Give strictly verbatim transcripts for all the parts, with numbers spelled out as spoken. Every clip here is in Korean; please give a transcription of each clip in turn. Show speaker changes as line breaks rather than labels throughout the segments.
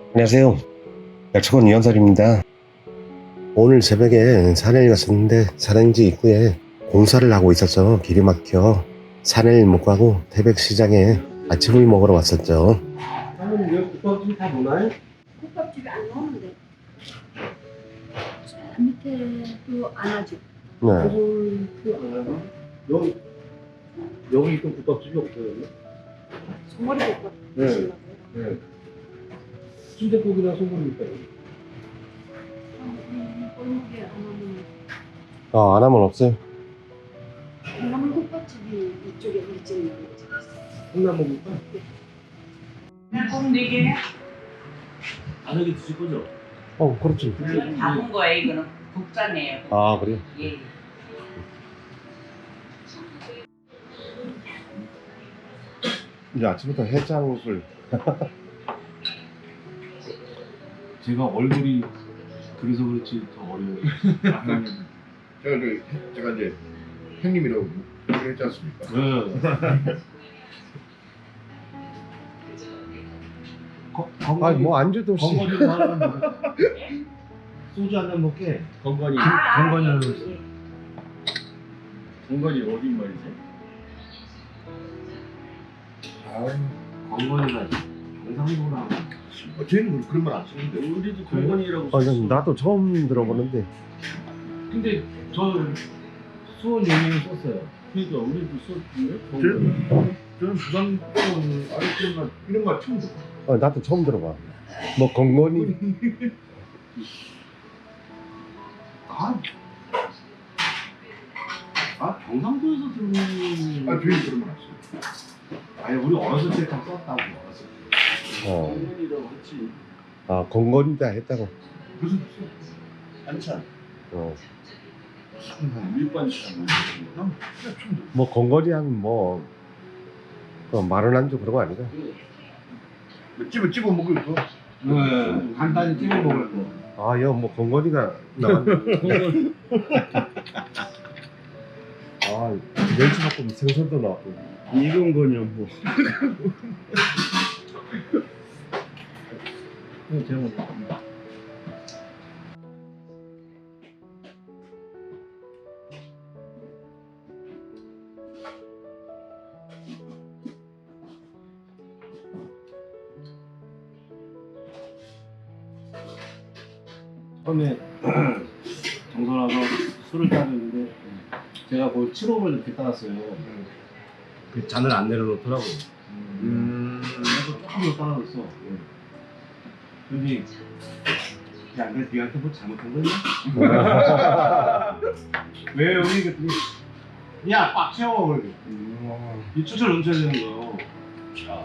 안녕하세요. 약초원 이현설입니다. 오늘 새벽에 산에 갔었는데 산행지 입구에 공사를 하고 있어서 길이 막혀 산을 못 가고 태백시장에 아침을 먹으러 왔었죠.
사모님 여기 국밥집 다 보나요?
국밥집이 안 나오는데 저 밑에도 안 하죠.
네.
그건 그안 하나? 여기 여기 있던 국밥집이 없어요. 여기?
소머리 국밥
네.
드시려고요?
네. 순대국이나 소금입니까?
음, 골목에 안 하면
아, 안 하면 없어요?
콩나물 국밥집이 이쪽에 우리 집에 있는 집 있어요.
콩나물국밥?
꼭 네 개네?
다섯 개 드실 거죠?
어, 그렇지.
이건 담은 거예요. 이거는 국산이에요.
아, 그래요?
예.
이제 아침부터 해장술.
제가 얼굴이 그래서 그렇지 더 어려워요.
제가 저 제가 이제 형님이라고 얘기를 했지 않습니까?
네. 거- 건건이-
아니, 뭐 안주도 없이.
건건이 뭐 하나 먹어? 소주 한 잔 먹게. 건건이.
아,
건건이
아,
하나
예,
먹었어.
예.
건건이 어디 말이지? 건건이가 경상도나.
어, 저희는 그런 말 안 쓰는데.
우리도 건건이라고.
아, 난 나도 처음 들어보는데.
근데 저 수원 연예인 썼어요. 그러니까 우리도 썼는데. 건건이.
저는 저는 부산 아래쪽나 이런 말 처음 들어.
어, 나도 처음 들어봐. 뭐 건건이.
아, 아 경상도에서 들은.
아 저희는 그런 말 안 써요.
아니 우리 어렸을 때 딱 썼다고 어렸을 때.
어.
건건이라고 했지.
아, 건건이다 했다고.
무슨
반찬.
어.
밀반찬.
난 그냥 처음 들어.
뭐 건건이 하면 뭐 어, 마른 안주 그런 거 아니까?
뭐 집어 집어 먹을 거.
네, 간단히 찍어 먹을 거.
아, 여 뭐 건건이가 나왔네. 아, 멸치볶음 생선도 나왔고.
익은 거냐 뭐. 이거 제가 먹을게요. 처음에 정선 와서 술을 따르는데 제가 거의 칠 호를 이렇게 따랐어요. 그 잔을 안 내려놓더라고.
음.
그래서 조금 더 따라줬어. 근데 야, 내가 니한테 뭐 잘못한 거냐? 왜 여기 그랬더니 야, 빡 채워 그러게. 이 추천 넘쳐야 되는 거요. 자.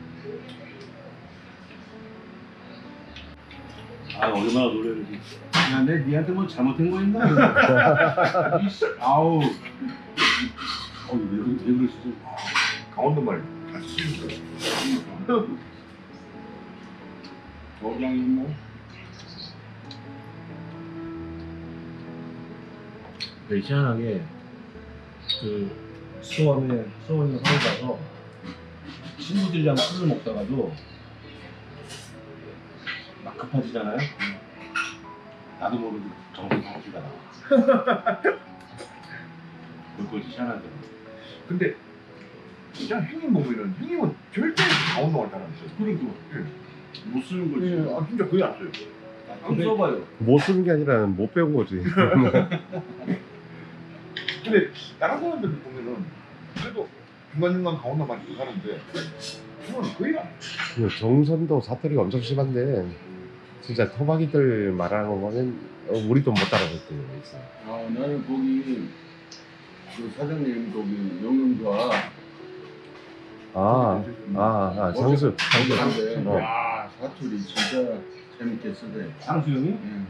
아, 얼마나 노래는지. 야, 내 니한테 뭐 잘못한 거 있나? 이씨, 아우. 어, 왜, 왜 그러시죠?
강원도 말. 다 쓰는 거.
저장이 뭐? 되게 희한하게 그 수원에 수원에 서울 가서 친구들이랑 술을 먹다가도 막 급해지잖아요. 나도 모르게 정신 상기가 나와. 그것이 희한하더라고.
근데 진짜 형님 보면은 형님은 절대 강원도 말 잘 안 써요.
그러니까 못 쓰는 거지.
예, 아 진짜 거의 안 써요.
안 써봐요.
못 쓰는 게 아니라 못 배운 거지.
근데 다른 사람들 보면은 그래도 중간중간 강원도 말 하는데 저는 거의 안.
그 정선도 사투리가 엄청 심한데 진짜 토박이들 말하는 거 보면 어, 우리도 못 따라갔대요. 있어.
아, 나는 거기 그 사장님 거기 영영과
아, 아, 아, 장수, 장수.
장수.
어.
야, 사투리 진짜 재밌게 쓰대.
상수형이?
응.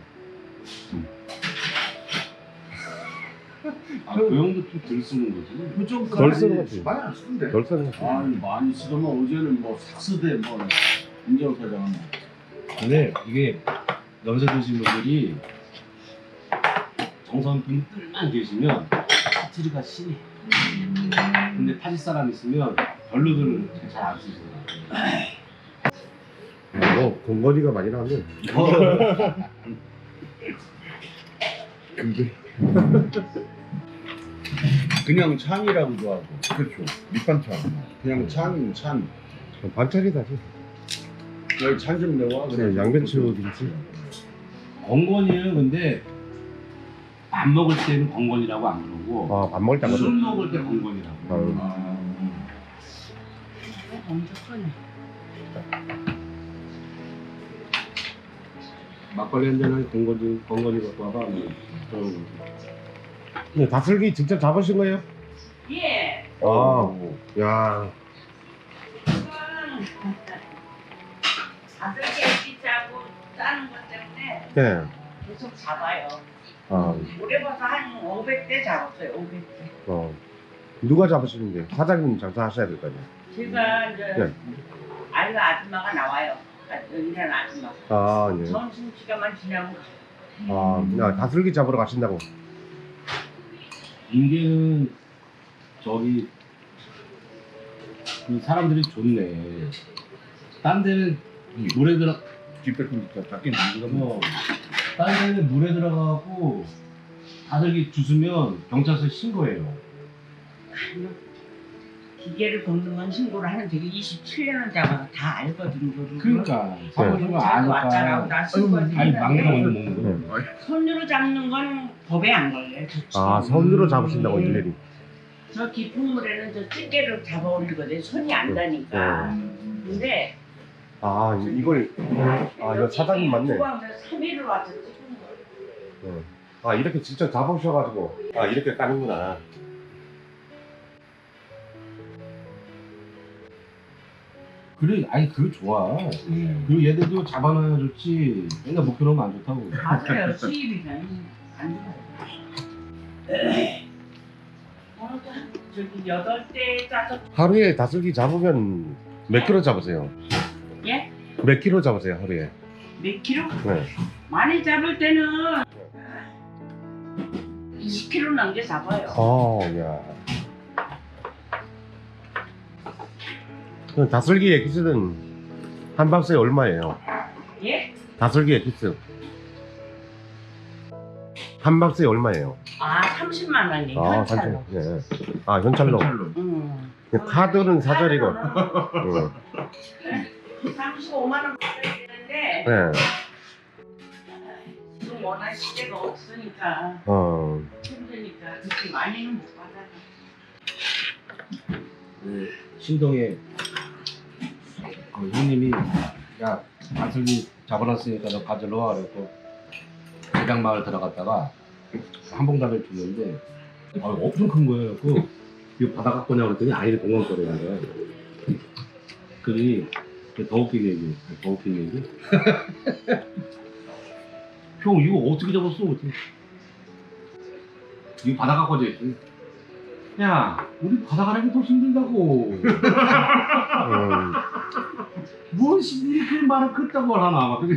아, 그 형도 좀 덜 쓰는 거지.
좀
덜 쓰는 거지.
많이 안 쓰는데.
덜 쓰는 거지.
아, 많이 쓰더만 어제는 뭐 삭스대 뭐 임정 사장은
근데 이게 연세 드신 분들이 정선 분들만 계시면 사투리가 심해. 근데 타지 사람 있으면 별로들은 잘 안 쓰시더라고요.
어, 건거리가 많이 나왔네.
근데 그냥 찬이라고도 하고.
그렇죠. 밑반찬.
그냥 찬이면 찬.
반찬이다지.
여기 찬 좀 내와.
그냥 양배추 김치.
건건이는 근데 밥 먹을 때는 건건이라고 안 그러고
아, 밥 먹을 때
술
먹어.
먹을 때 건건이라고.
아유.
아,
엄청 크네.
막걸리 한 잔에 건건이 건건이 갖고 와봐. 뭐 그런 거.
네, 다슬기 직접 잡으신 거예요?
예.
아, 야,
이거는 다들 깨끼자고 짜는 것 때문에
네.
계속 잡아요.
아,
올해 봐서 한 오백 대 잡았어요. 오백 대.
어. 누가 잡으시는데? 사장님 장사하셔야 될 거 아니에요?
제가 이제
네.
아이가 아줌마가 나와요. 아, 일하는 아줌마.
아, 예.
점심 시간만 지나면
아, 야, 다슬기 잡으러 가신다고.
인계는 저기 그 사람들이 좋네. 딴 데는 물에 들어
뒷배품 진짜 작게 만들어
뭐, 딴 데는 물에 들어가고 다슬기 주스면 경찰서에 신고해요.
기계를 걷는 건 신고를 하는데 이십칠 년을 잡아서 다 알거든. 그거를.
그러니까 사무실가
경찰도 왔잖아.
아니까.
나 신고해서
아니
했는데
막내 먼저 먹는 거.
손으로 잡는 건 법에 안 걸려요. 좋지.
아, 손으로 잡으신다고,
네.
일일이.
저 깊은 물에는 저 찌개를 잡아 올리거든. 손이 안 다니까. 근데
아, 이걸, 아, 이거 사장님 맞네.
삼 일을 와서 찍은 거예요.
네. 아, 이렇게 직접 잡으셔가지고. 아, 이렇게 까는구나.
그래, 아니 그거 좋아. 그리고 얘들도 잡아놔야 좋지. 맨날 못 들어오면 안 좋다고.
맞아요. 수입이면 안 좋아요. 오늘도 한- 저기 여덟 대 짜서
하루에 다슬기 잡으면 몇 킬로 잡으세요?
예?
몇 킬로 잡으세요, 하루에?
몇 킬로?
네.
많이 잡을 때는 이십 킬로 넘게 잡아요.
어, 야. 그 다슬기 엑기스는 한 박스에 얼마예요?
예?
다슬기 엑기스. 한 박스에 얼마예요?
아 삼십만 원이에요.
아,
현찰로.
예. 아, 현찰로.
음.
카드는 사절이고.
카드로는
응.
삼십오만 원 받아야 되는데
네.
지금 워낙 시대가 없으니까
어.
힘드니까 그렇게 많이는 못 받아요.
그 신동에 그 형님이 야 다슬기 잡아놨으니까 너 가져러 와 그랬고 대장마을 들어갔다가 한 봉다리를 줬는데 아, 엄청 큰 거예요. 그 이거 받아 갖고 오냐고 그랬더니 아이를 공원 거래는 거야. 그러니 더 웃긴 얘기, 더 웃긴 얘기. 형 이거 어떻게 잡았어? 어떻게? 이거 바다 갖고 오지. 야, 우리 바다 가는 게 더 힘들다고.
음.
뭘 이렇게 말을 그딴 걸 하나 막 그게.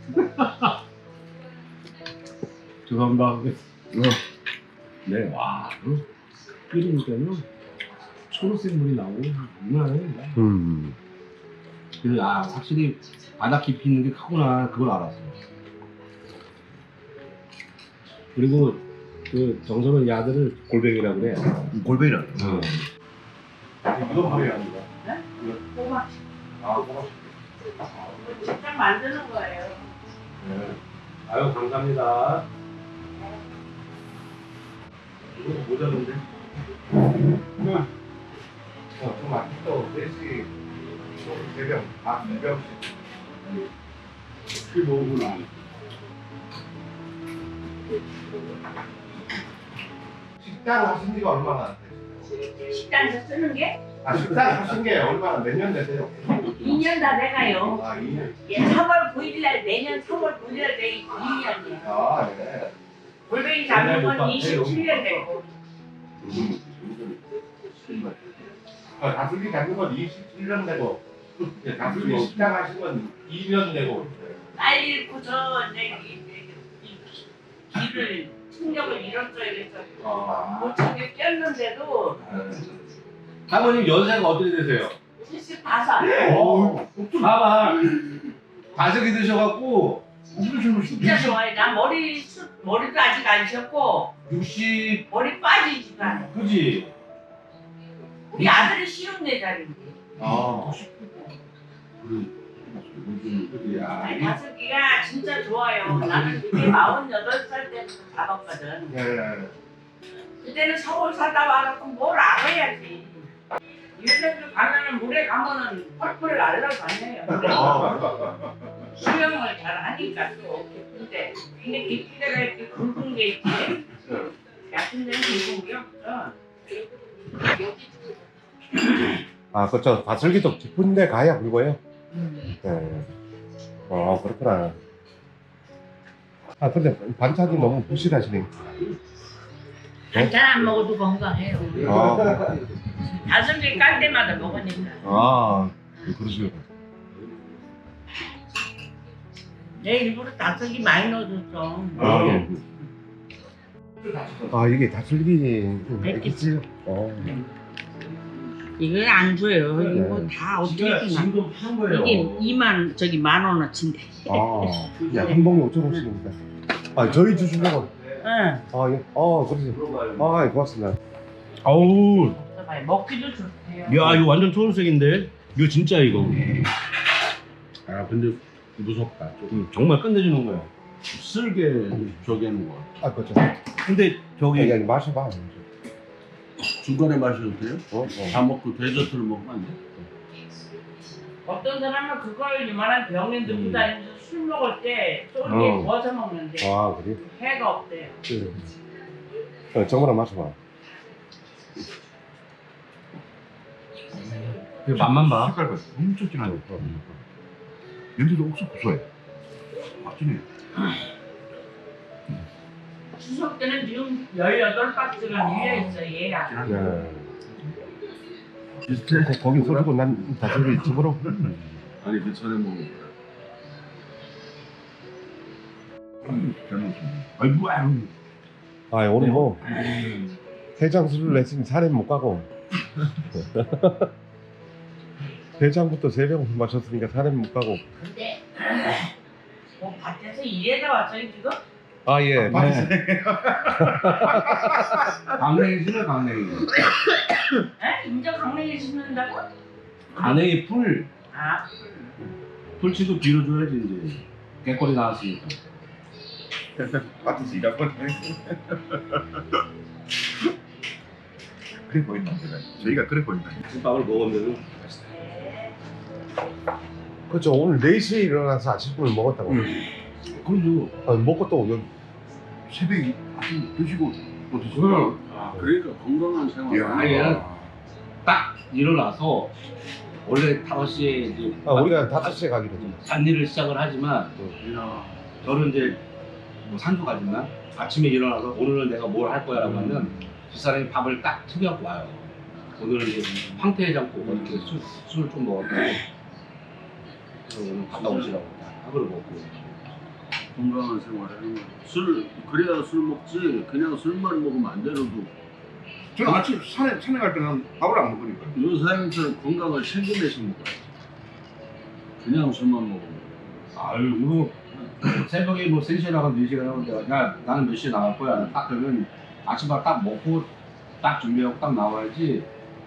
죄송합니다. 네, 와, 그 끓이니까요 초록색 물이 나오고 장난 아니에요.
음.
그래서 아 확실히 바다 깊이 있는 게 크구나 그걸 알았어요. 그리고 그 정선은 야들을 골뱅이라고 그래.
골뱅이라.
어. 이거 바로 야입니다.
네? 꼬막
아, 고맙습니다.
직접 만드는 거예요.
네. 아유 감사합니다. 이거 모자른데? 어, 좀 아껴. 넷이 네 병, 아, 네 병씩. 그게 뭐구나. 식당 하신 지가 얼마나 되세요?
식당에서 쓰는 게
아, 식당 하신 게 얼마나 몇 년 되세요?
이 년 다 돼가요.
아, 이 년.
예, 삼월 구일 날 내년 삼월 구일 날 내 이 년이에요.
아, 네.
골뱅이 잡는 건 이십칠 년 되고.
아, 다슬기 잡는 건 이십칠 년 되고, 예, 다슬기 식당 하신 건 이 년 되고.
빨리 읽고서 이제 이, 이, 이 길을 충격을 잃었어요. 그래서
아.
못 찾게 꼈는데도
사모님 연세가 어떻게 되세요?
칠십오.
오, 봐봐. 다슬기 드셔갖고
진짜 좋아해. 나 머리 숱 머리도 아직 안 셨고
육십
머리 빠지지가 않아.
그지?
우리 아들이 쉬운 네 살인데.
아. 야,
아니,
이게-
다슬기가 진짜 좋아요. 나는 그게 마흔여덟 살 때부터 잡았거든.
네.
그때는 서울 살다 와갖고 뭘 알아야지. 유럽도 가면은 물에 가면은 펄펄 날라다녀요. 수영을 잘 하니까 또 깊은데. 근데 깊은 데가 이렇게 굵은 게 있지. 얕은 데는 굵은 게 없어.
아, 그렇죠. 다슬기도 깊은데 가야 굵어요.
음.
네. 어, 그렇구나. 아, 근데 반찬이 너무 부실하시네.
반찬 안 먹어도 건강해요.
아,
다슬기 깔 때마다 먹으니까.
아, 그러시구나.
내 일부러 다슬기 많이 넣어줬어.
아, 예. 아, 이게 다슬기 있지요? 어.
이거 안 줘요.
네.
이거 다 어떻게
지금
주나?
지금 한 거예요.
이게 이만 저기 만 원어치인데.
아, 야, 한 봉에 오천 원씩입니다. 아, 저희 주시려고.
응.
아, 예. 아, 그러세요. 아, 예, 고맙습니다.
아우,
봐요. 먹기도 좋대요.
야 이거 완전 초록색인데? 이거 진짜 이거. 아 근데 무섭다. 조금 정말 끝내주는 거야.
쓸게 저기 하는 거.
아, 그렇죠.
근데 저기
여기, 여기 마셔봐.
중간에 마셔도 돼요?
어? 어.
다 먹고 데저트를 먹으면 안 돼?
어떤 사람은 그걸 이만한 병에 넣고
음.
다니면서 술 먹을 때 쫄게
어.
부어서 먹는데
아, 그래요?
해가 없대요.
그, 어, 정말 마셔봐.
그 맛만 봐.
색깔 봐. 엄청 진하네. 냄새도 엄청 고소해. 아, 진해.
추석 때는 지금 열여덟 박스가 밀려 있어 얘가.
네.
비슷해?
거- 거기 써주고 난 다슬기 집으로.
아니 그 전에 먹은 거야.
음, 잘 먹었습니다. 아이, 뭐야.
아, 오늘 뭐, 해장 술을 냈으니 산에 못 가고. 해장부터 세 병 마셨으니까 산에 못 가고.
근데 뭐 밭에서 일해다 왔어요 지금?
아, 예.
강냉이 싫어 강냉이.
에? 인자 강냉이 심는다고?
강냉이 풀
아
풀치도 빌어줘야지 이제. 개꼬리 나왔으니까.
밭에서 일할 뻔 그래 보인다, 제가. 저희가 그래 보인다.
밥을 먹으면
그렇죠. 오늘 네 시에 일어나서 아침을 먹었다고.
그래도
아, 먹고 또 여기.
새벽에 아침 드시고 또 드시고.
그러니까 건강한 생활.
이야.
아니, 얘는 딱 일어나서 원래 다섯 시에 이제
아, 우리가 다섯 시에 가기로 했죠.
잔일을 시작을 하지만
이야.
저는 이제 뭐 산소 가지만 아침에 일어나서 오늘은 내가 뭘 할 거야라고 하면 집사람이 밥을 딱 챙겨갖고 와요. 오늘은 이제 황태해장국 이렇게 술, 술을 좀 먹었고 오늘 갔다 오시라고 한 그릇 먹고
건강한 생활하는 거야. 술 그래야 술 먹지. 그냥 술만 먹으면 안 되는도.
저는 아침 산에, 산에 갈 때는 밥을 안 먹으니까.
요사람처럼 건강을 챙겨내서 먹어야지. 그냥 술만 먹으면.
아유 이거 새벽에 뭐 세 시에 나가면 네 시에 나가는데 야 나는 몇 시에 나갈 거야 딱 그러면 아침밥 딱 먹고 딱 준비하고 딱 나와야지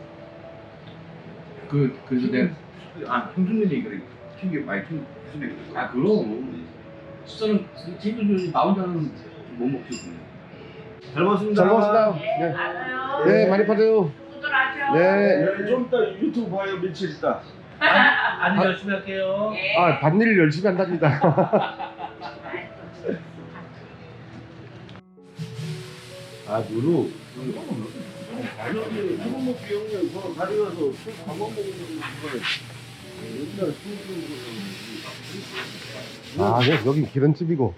그 그래서 내가
아, 형수님이 그래. 챙겨, 많이 챙겨. 무슨 얘기
아 그럼 식사는 챙겨줘야지 나 혼자는 못 먹지 잘 먹었습니다.
잘 먹었습니다.
네,
네.
알아요.
네, 많이 파세요.
친구들 하죠.
네.
좀 이따 유튜브 봐요. 며칠 있다.
안 열심히 할게요.
네.
아, 밭일 열심히 한답니다.
아 누루
여기 한번 먹기 형님 저 다리 가서 술 한번 먹는 거에 옛날 술 주고
아, 네, 여기 기름집이고.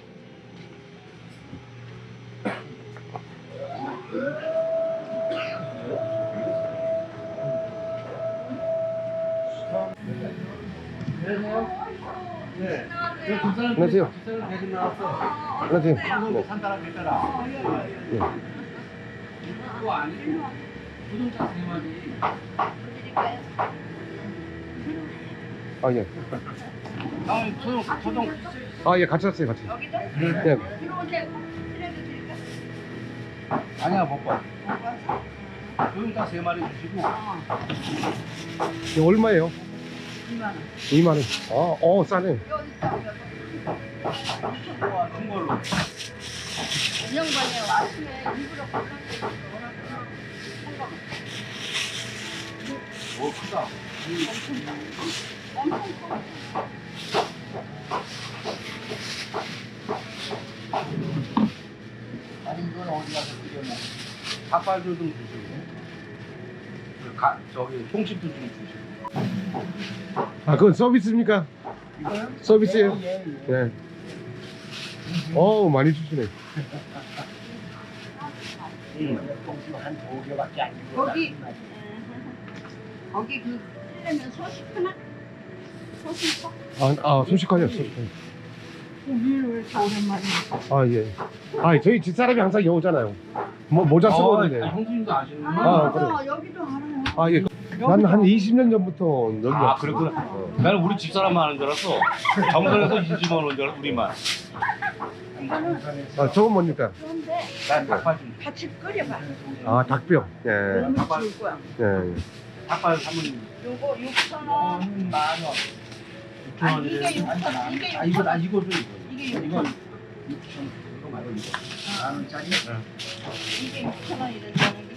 안녕하세요. 안녕하세요. 네.
산사람 있잖아.
네.
그거 아니고 부동산 생활이
아, 예.
아, 소용, 소용.
아, 예, 같이 왔어요, 같이.
여기도?
네.
들어오세요. 그래도 될까?
아니야, 못 봐.
먹어서?
소용 딱세 마리 주시고.
어,
이거 얼마예요?
이만 원.
이만 원. 아, 어, 싸네.
여기 있다, 여기.
큰 걸로.
운영반에 왔으면 일부러 골라서 워낙 한거
오, 크다.
엄청 커.
아니, 이건 어디 가서 끓여 먹어? 닭발도 좀 주시고. 그 가, 저기, 통집도 좀 주시고.
아, 그건 서비스입니까?
이거요?
서비스예요?
예, 예, 예.
네. 어우, 많이 주시네.
거기 거기 그 쓰려면 소식 하나? 소식 커?
아, 아, 소식하네요, 소식하네.
우리는 왜 이렇게 오랜만에
아, 예. 아, 저희 집사람이 항상 여기 오잖아요. 뭐, 모자 쓰고
어,
오는데.
형수님도 아시는구나.
아,
아,
그래.
맞아. 여기도 알아요.
아, 예. 난 한 이십 년 전부터 여기
아,
왔어.
그랬구나.
어.
나는 우리 집사람만 아는 줄 알았어. 정선에서 이집만 오는 줄 알았어, 우리만.
이거는
아, 저건 뭡니까?
그런데
난 닭발 좀.
같이 끓여봐.
아, 닭뼈. 예.
너무 좋을 거야.
예.
닭발 사모님.
요거 육천 원.
만 원.
아, 이게 육천 원. 이게
아, 이거,
육천
나
원.
이거 줘, 이거.
이게
이거
육천 원.
육천 원. 이거 말고 이거. 만 원짜리?
이게 육천 원 이런다는 게.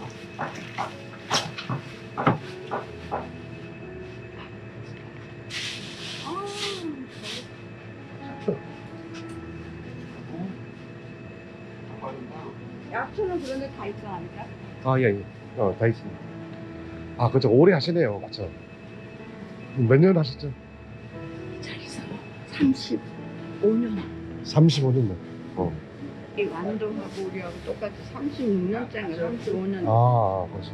약초는 그런데 다 있어 아닐까?
아, 예, 예. 어, 다 있습니다. 아, 그죠. 오래 하시네요. 맞죠? 몇 년 하셨죠?
이 자리에서 삼십오 년.
삼십오 년. 어.
이 완도하고 우리하고 똑같이 삼십육 년짜리 삼십오 년.
아, 그렇죠.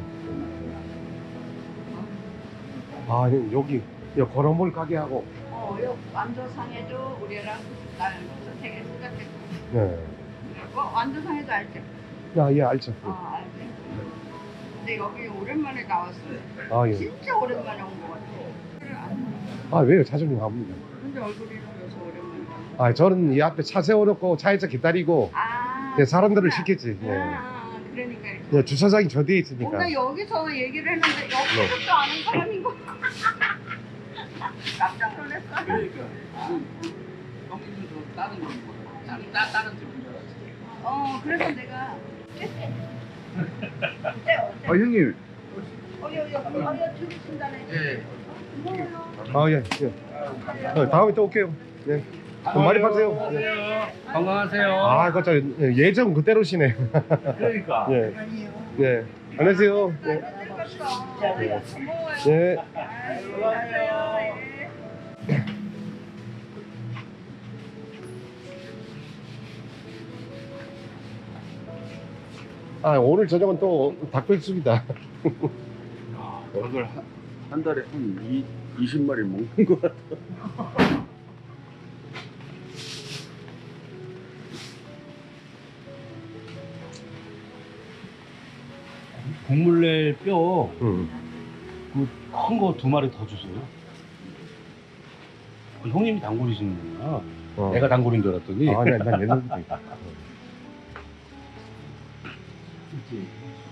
아, 여기, 여기 걸어볼 가게하고.
어, 요 완도상에도 우리랑 날 선택해 시작했고.
네.
어, 완도상에도 알지?
아, 예, 알죠.
아, 알지. 근데 여기 오랜만에 나왔어요.
아, 예.
진짜 오랜만에 온 것 같아. 그래, 안
아, 왜요? 자주 가봅니다.
근데 얼굴이 보여서 오랜만에.
아, 저는 이 앞에 차 세워놓고 차에서 기다리고
아.
예, 사람들을
그렇구나.
시켰지. 예.
아, 그러니까 이렇게.
예, 주차장이 저 뒤에 있으니까.
뭔가 여기서 얘기를 했는데 여기서 또 아는 사람인 거. 깜짝 놀랐어.
그러니까. 형님도 저 다른 거 다른 따- 다른 집인 줄 알았지.
어, 그래서 내가 어때? 어때?
아 형님
어여 어여 어여 들으신다네.
예.
고마워요.
아, 예, 예. 어, 다음에 또 올게요. 네. 좀 많이 파세요. 예.
건강하세요.
아, 그저 예전 그대로시네.
그러니까.
예. 예. 안녕하세요. 예.
늙었어. 고마워요.
예.
아이고, 안녕하세요. 예.
아, 오늘 저녁은 또 닭백숙이다.
닭을 한, 한 달에 한 이, 이십 마리 먹는 거 같아.
국물 낼 뼈,
응.
큰 거 두 마리 더 주세요. 어, 형님이 단골이시는구나.
어.
내가 단골인 줄 알았더니.
아, 네, 난 옛날부터.
그치.